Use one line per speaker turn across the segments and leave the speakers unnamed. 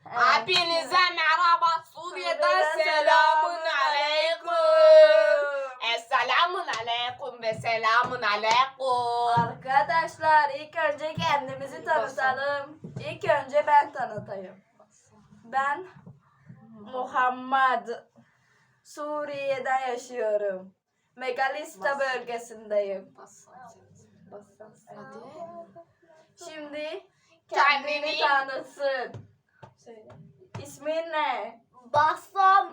Hepinize merhaba. Suriye'den selamun aleyküm. Esselamun aleyküm ve selamun aleyküm.
Arkadaşlar ilk önce kendimizi tanıtalım. İlk önce ben tanıtayım. Ben Muhammed. Suriye'de yaşıyorum. Megalista bölgesindeyim. Şimdi kendini tanıtsın. Söyle. İsmin ne?
Bassam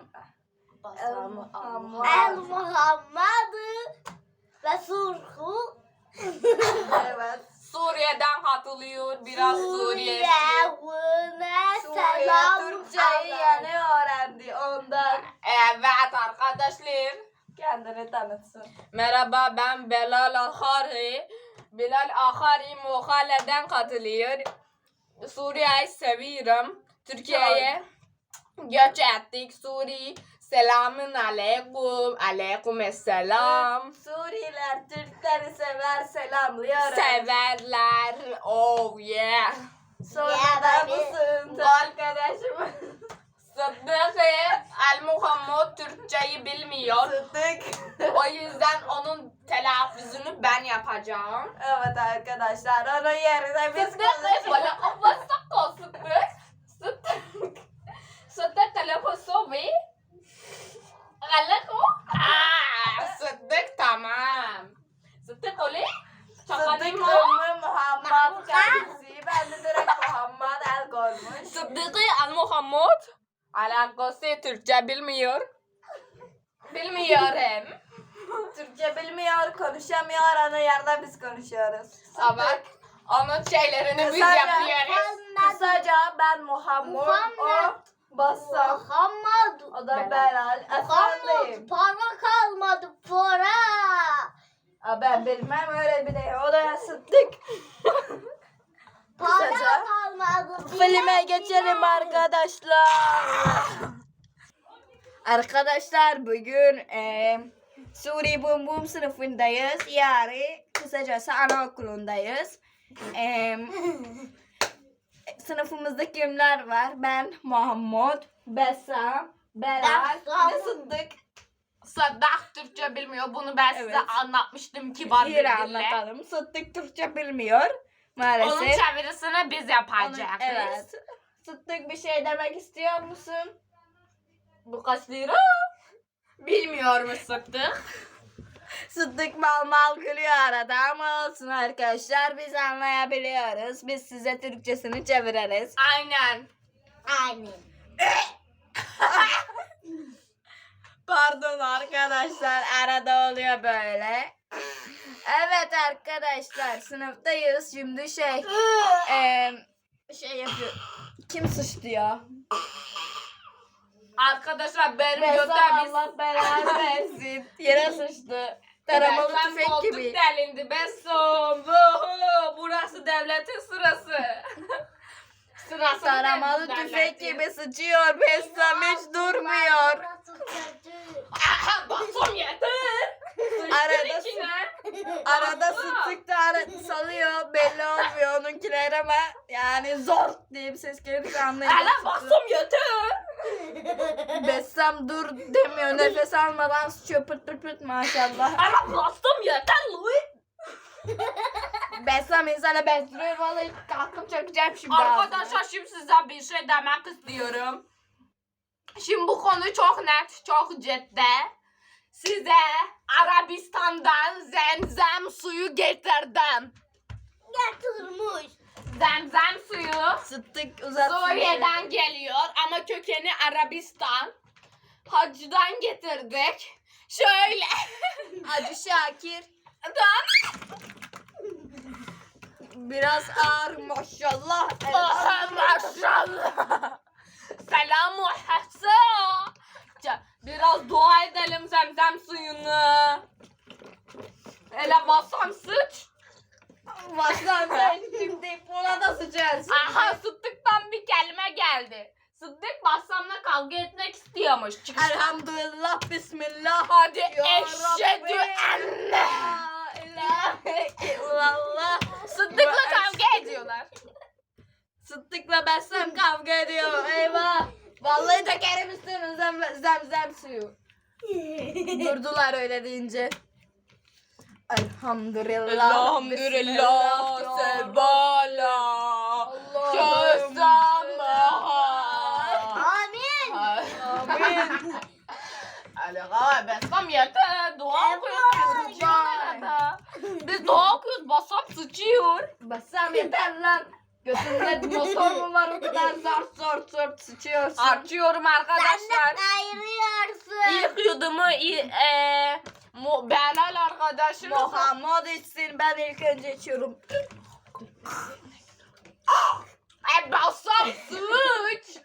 El
Evet.
Muhammed ve Surhu
Evet.
Suriye'den katılıyor. Biraz Suriye.
Suriye'ne
Suriye
selam
Türkçeyi yeni öğrendi ondan.
Evet arkadaşlar.
Kendini tanıtsın.
Merhaba, ben Belal Ahari. Bilal Ahari Muhalle'den katılıyor. Suriye'yi seviyorum. Türkiye'ye göç ettik. Suriye. Selamun aleyküm. Aleykümselam.
Suriyeliler Türkleri sever, selamlıyoruz.
Severler. Oh yeah.
Sonra
Ya
da
beni-
bu sınıfta arkadaşım
Sıddık El Muhammed Türkçeyi bilmiyor.
Sıddık.
O yüzden onun telaffuzunu ben yapacağım.
Evet arkadaşlar onun yerine biz
Sıddık
konuşuyoruz.
bana kapasak o Sıddık. Sıddık. Sıddık telefonu ve Galako. Sıddık tamam. Sıddık öyle.
Sıddık
Şakalayayım mı?
Ümmü Muhammed kendisi. Ben de direkt Muhammed el koymuş.
Sıddık El Muhammed. Alakası Türkçe bilmiyor. Bilmiyorum.
Türkçe bilmiyor, konuşamıyor, onun yerine biz konuşuyoruz.
Evet. Onun şeylerini biz
Kısaca-
yapıyoruz.
Kısaca ben Muhammed,
Muhammed.
o Bassam,
Muhammed
o da Belal.
Muhammed
Efendim.
para kalmadı para.
Ben bilmem öyle bir de. O da Sıddık.
Para
Kısaca
kalmadı.
filme geçelim arkadaşlar. Arkadaşlar bugün Suri Bum Bum sınıfındayız. Yani kısacası anaokulundayız. Sınıfımızda kimler var? Ben, Muhammed, Bessam, Belal, bir de Sıddık.
Sıddık Türkçe bilmiyor. Bunu ben size
Evet.
anlatmıştım kibar bir
Yine
dille.
anlatalım. Sıddık Türkçe bilmiyor maalesef.
Onun çevirisini biz yapacağız.
Evet. Sıddık bir şey demek istiyor musun?
Bu kaç lira? Bilmiyor mu Sıddık?
Sıddık mal mal gülüyor arada ama olsun arkadaşlar biz anlayabiliyoruz. Biz size Türkçesini çeviririz.
Aynen.
Aynen.
Pardon arkadaşlar arada oluyor böyle. Evet arkadaşlar sınıftayız şimdi şey yapıyor. Kim sıçtı ya?
Arkadaşlar benim
Bessam
götüm biz...
Allah belanı versin. Yere sıçtı. Taramalı
Bessam
tüfek
koltuk
gibi.
delindi. Bessam. Vuhu, burası devletin sırası. Sırası
Taramalı tüfek gibi sıçıyor. Bessam hiç durmuyor.
Burası kötü.
Aha Bessam yeter.
Arada
İçine.
Arada Sıddık da salıyor belli olmuyor onunkiler ama yani zor diye bir ses gelirse
Ala
anlayacak.
Bessam yeter.
Bessam dur demiyor nefes almadan sıçıyor pırt pırt pırt maşallah.
Ala Bessam yeter Louis.
Bessam insana benziyor vallahi kalkıp çökeceğim şimdi.
Arkadaşlar şimdi size bir şey demek istiyorum. Şimdi bu konu çok net, çok ciddi. Size Arabistan'dan zemzem suyu getirdim.
Getirmiş.
Zemzem suyu
Sıddık uzatsın.
Suriye'den geliyor ama kökeni Arabistan. Hacı'dan getirdik. Şöyle.
Hacı Şakir
Tamam.
biraz ağır maşallah.
Aha, maşallah. Selamu Hasan. Biraz dua edelim zemzem suyunu. Hele basam sıç.
Bassam sen şimdi buna da sıçarsın.
Aha Sıddık'tan bir kelime geldi. Sıddık Bassam'la kavga etmek istiyormuş. Çıkış.
Elhamdülillah bismillah.
Hadi
Ya
eşhedü
Rabbi.
enne.
La ilahe illallah.
Sıddık'la kavga ediyorlar.
Sıddık'la Bessem kavga ediyor. Eyvah. Vallahi dökerim üstüne zemzem suyu. Durdular öyle deyince. Elhamdülillah.
Elhamdülillah sebala.
Amin.
Amin. Alaga Bessem yeter. Dua okuyoruz. Sıçıyor arada. Biz dua okuyoruz. Bassam sıçıyor.
Bessem yeter lan. Götünde motor mu var o kadar zart sıçıyorsun.
Açıyorum
Sen
arkadaşlar.
de ayırıyorsun.
İlk yudumu Belal arkadaşımız.
Muhammed içsin, ben ilk önce içiyorum.
Bassam sıç.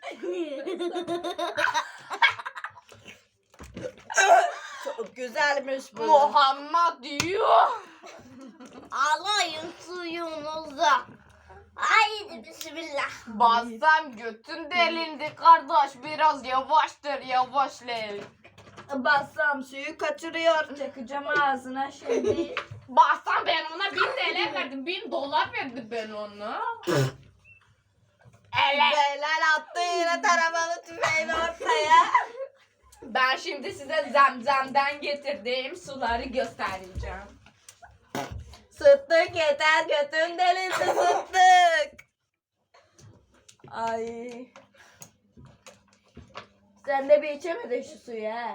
Çok güzelmiş bu.
Muhammed diyor.
Alayın suyunuzu. Haydi bismillah.
Bassam götün delindi kardeş. Biraz yavaştır yavaşlayın.
Bassam suyu kaçırıyor. Çakacağım ağzına şimdi.
Bassam ben ona 1000 TL verdim. $1000 verdim ben ona. Evet.
Belal attı yine taramalı tüfeğini ortaya.
Ben şimdi size zemzemden getirdiğim suları göstereceğim.
Sıddık yeter, götün delisi Sıddık. Ay. Sen de bir içemedin şu suyu ha.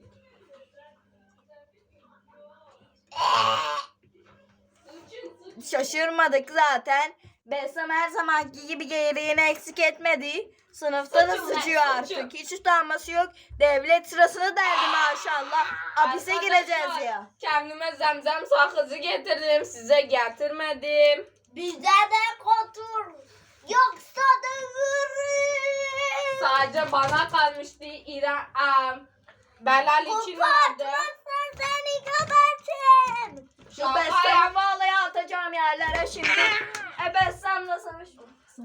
Şaşırmadık zaten. Bessem her zamanki gibi gereğini eksik etmedi. Sınıfta da
Sıçın
sıçıyor
lan,
artık.
sıçın.
Hiç utanması yok. Devlet sırasını deldi maşallah. Hapise
Arkadaşlar,
gireceğiz ya.
Kendime zemzem sakızı getirdim. Size getirmedim.
Bize de kotur. Yoksa dövürüm.
Sadece bana kalmıştı. Belal için vardı.
Kopartmazsan seni gebertirim.
Şu
Şaka
Bessem vallahi atacağım yerlere şimdi. Bessem'le savaşma.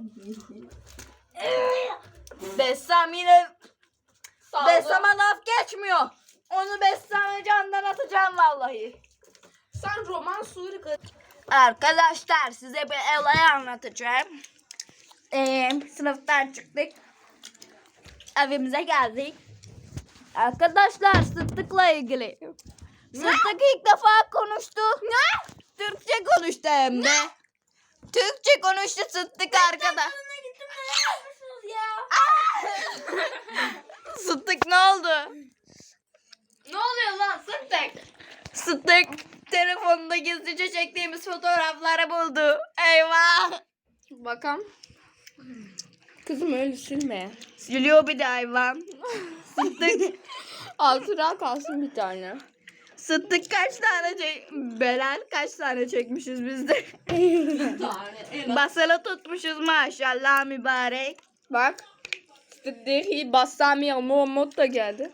Bessem yine Bessem'e laf geçmiyor. Onu Bessem'e candan atacağım vallahi.
Sen roman suri
Arkadaşlar size bir olay anlatacağım. Sınıftan çıktık. Evimize geldik. Arkadaşlar Sıddık'la ilgili. Sıddık ilk defa konuştu. Ne? Türkçe konuştu hem de. Türkçe konuştu Sıddık arkadaş. Sıddık ne oldu?
Ne oluyor lan Sıddık?
Sıddık telefonunda gizlice çektiğimiz fotoğrafları buldu. Eyvah.
Bakalım. Kızım öyle silme.
Siliyor bir de hayvan. Sıddık.
Altına kalsın bir tane.
Sıddık kaç tane Belal kaç tane çekmişiz biz de.
Bir tane.
Basılı tutmuşuz maşallah mübarek.
Bak. Sıddık'ı Bassami Muhammed da geldi.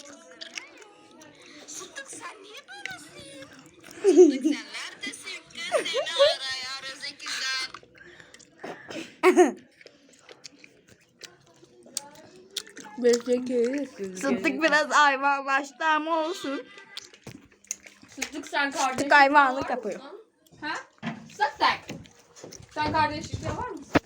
Sıddık sen niye böylesin? Sıddık sen neredesin kız seni arıyoruz ikizler. Sıddık biraz hayvanlaştı ama olsun.
Sıddık sen kardeşlik
Sıddık hayvanlık
var
yapıyor.
mısın? Ha? Sıddık. Sen kardeşlikte var mısın?